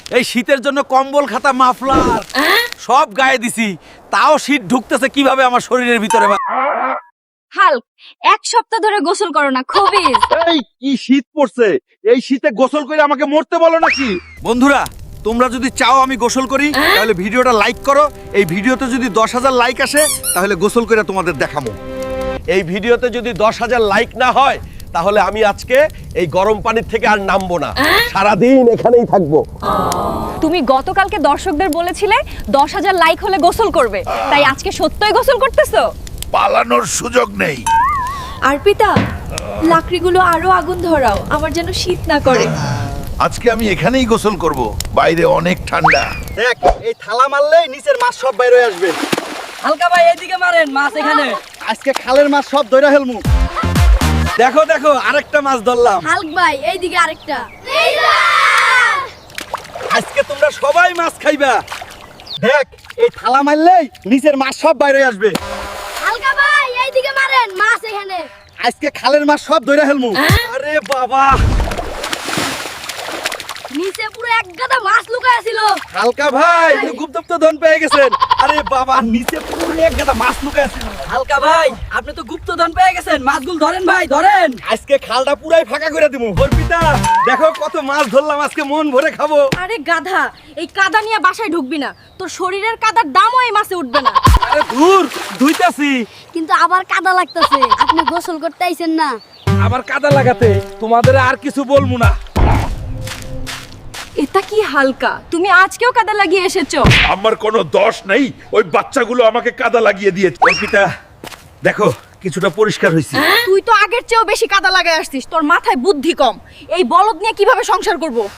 এই শীতের জন্য কম্বল খাতা মাফলার সব গায়ে দিছি, তাও শীত ঢুকতেছে কিভাবে আমার শরীরের ভিতরে। হাল্ক, এক সপ্তাহ ধরে গোসল করো না, খবিস। এই কি শীত পড়ছে, এই শীতে গোসল করে আমাকে মরতে বলো নাকি? বন্ধুরা, তোমরা যদি চাও আমি গোসল করি তাহলে ভিডিওটা লাইক করো। এই ভিডিওতে যদি 10,000 লাইক আসে তাহলে গোসল করে তোমাদের দেখাবো। এই ভিডিওতে যদি 10,000 লাইক না হয় তাহলে আমি আজকে এই গরম পানির থেকে আর নামবো না, সারাদিন এখানেই থাকবো। তুমি গতকালকে দর্শকদের বলেছিলে 10,000 লাইক হলে গোসল করবে, তাই আজকে সত্যই গোসল করতেছো? পালানোর সুযোগ নেই। আরপিতা, লাকড়িগুলো আরো আগুন ধরাও, আমার যেন শীত না করে। আজকে আমি এখানেই গোসল করব, বাইরে অনেক ঠান্ডা। দেখ, এই থালা মারলেই নিচের মাছ সব বাইরে হয়ে আসবে। হালকা ভাই এদিকে মারেন, মাছ এখানে। আজকে খালের মাছ সব ধরে ফেলমু। দেখো দেখো, আরেকটা মাছ ধরলাম। হাল্ক ভাই, এইদিকে আরেকটা। আজকে তোমরা সবাই মাছ খাইবা। দেখ, এই থালা মারলেই নিচের মাছ সব বাইরে আসবে। হালকা ভাই, এইদিকে মারেন, মাছ এখানে। আজকে খালের মাছ সব ধরে ফেলমু। আরে বাবা, নিচে পুরো এক গাদা মাছ লুকায় ছিল। হালকা ভাই গুপ্তপ্ত ধন পেয়ে গেছেন। আরে বাবা, নিচে পুরো এক গাদা মাছ লুকায় আছে। হালকা ভাই, আপনি তো গুপ্তধন পেয়ে গেছেন, মাছগুলো ধরেন ভাই, ধরেন। আজকে খালটা পুরাই ফাঁকা করে দিমু। অর্পিতা, দেখো কত মাছ ধরলাম, আজকে মন ভরে খাবো। আরে গাধা, এই কাদা নিয়ে বাসায় ঢুকবি না, তোর শরীরের কাদার দামও এই মাছে উঠবে না। আরে ধুর, ধুইতাছি। কিন্তু আবার কাদা লাগতেছে, আপনি গোসল করতে আইছেন না? আবার কাদা লাগাতে তোমাদের আর কিছু বলবো না। এটা কি হালকা, তুমি আজকেও কাদা লাগিয়ে এসেছো? আমার কোনো দোষ নেই, ওই বাচ্চাগুলো আমাকে কাদা লাগিয়ে দিয়েছে। অর্পিতা, দেখো কিছুটা পরিষ্কার হয়েছে। তুই তো আগের চেয়েও বেশি কাদা লাগায় আসছিস, তোর মাথায় বুদ্ধি কম। এই বলদ নিয়ে কিভাবে সংসার করব?